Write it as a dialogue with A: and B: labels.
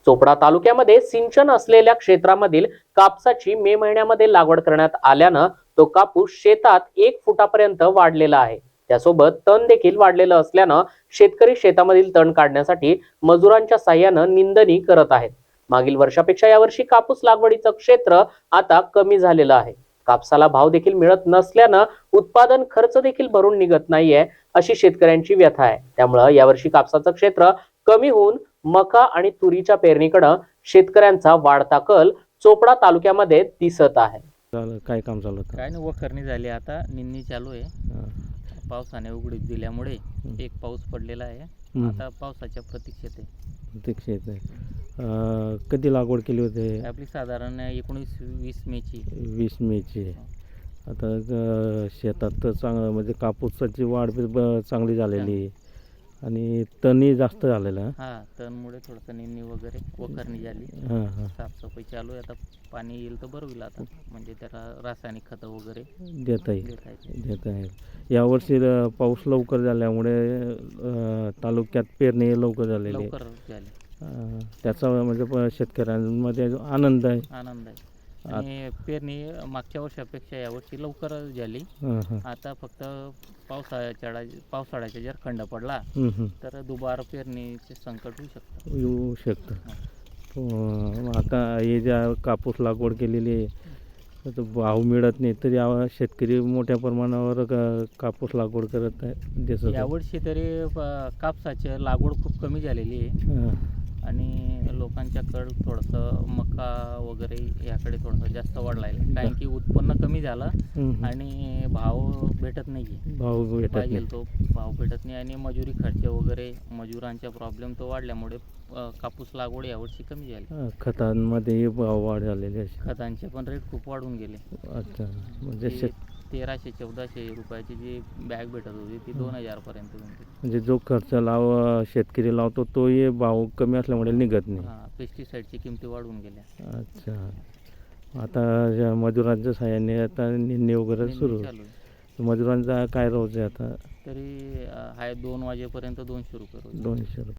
A: चोपडा तालुक्यामध्ये सिंचन असलेल्या क्षेत्रामधील कापसाची मे महिन्यामध्ये लागवड करण्यात आल्यानं तो कापूस शेतात 1 फुटापर्यंत वाढलेला आहे. त्यासोबत तण देखील वाढलेलं असल्यानं शेतकरी शेतामधील तण काढण्यासाठी मजुरांच्या साह्यानं निंदणी करत आहेत. मागील वर्षापेक्षा यावर्षी कापूस लागवडीचं क्षेत्र आता कमी झालेलं आहे. कापसाला भाव देखील मिळत नसल्यानं उत्पादन खर्च देखील भरून निघत नाहीये, अशी शेतकऱ्यांची व्यथा आहे. त्यामुळे यावर्षी कापसाचं क्षेत्र कमी होऊन मका आणि तुरीच्या पेरणीकडे शेतकऱ्यांचा वाढता कल चोपडा तालुक्यामध्ये दिसत आहे.
B: काय काम चालू होतं?
C: काय नाही, वखरणी झाली, आता निंदणी चालू आहे.
B: हां.
C: पावसाने उघडीप दिल्यामुळे एक पाऊस पडलेला आहे. आता पावसाच्या प्रतीक्षेत आहे.
B: प्रतीक्षेत आहे. कधी लागवड केली होती?
C: आपली साधारण 19-20 मेची.
B: 20 मेची. आता शेतात तर चांगलं म्हणजे कापूसाची वाढ चांगली झालेली आहे आणि तणही जास्त झालेलं आहे.
C: हा, तणमुळे थोडंसं निंदणी वगैरे वखरणी झाली.
B: हां.
C: साफसफाई चालू आहे. आता पाणी येईल तर बरं होईल. आता म्हणजे त्याला रासायनिक खतं वगैरे
B: देता येईल. यावर्षी पाऊस लवकर झाल्यामुळे तालुक्यात पेरणी लवकर झालेली आहे.
C: लवकर झाली.
B: त्याचा म्हणजे शेतकऱ्यांमध्ये आनंद आहे.
C: आणि पेरणी मागच्या वर्षापेक्षा यावर्षी लवकर झाली. आता फक्त पावसाळ्याचा जर खंड पडला तर दुबार पेरणीचे संकट
B: येऊ शकतं. आता हे ज्या कापूस लागवड केलेली आहे तर भाव मिळत नाही, तर या शेतकरी मोठ्या प्रमाणावर कापूस लागवड करत आहे.
C: यावर्षी तरी कापसाची लागवड खूप कमी झालेली आहे आणि लोकांच्याकडं थोडंसं मका वगैरे याकडे थोडंसं जास्त वाढला आहे. कारण की उत्पन्न कमी झालं आणि भाव भेटत नाही. पाहिजे तो भाव भेटत नाही आणि मजुरी खर्च वगैरे मजुरांचा प्रॉब्लेम तो वाढल्यामुळे कापूस लागवड यावर्षी कमी झाली.
B: खतांमध्ये भाव वाढ झालेली आहे.
C: खतांचे पण रेट खूप वाढून गेले.
B: अच्छा, म्हणजे
C: 1300-1400 रुपयाची जी बॅग भेटत होती ती 2000 पर्यंत होती.
B: म्हणजे जो खर्च शेतकरी लावतो तोही भाव कमी असल्यामुळे निघत नाही.
C: पेस्टिसाईडची किमती वाढून गेल्या.
B: अच्छा, आता मजुरांच्या सहाय्याने आता निंदणी वगैरे सुरू. मजुरांचा काय रोज आहे आता?
C: तरी 2 वाजेपर्यंत 200 रुपये रोज.
B: 200 रुपये.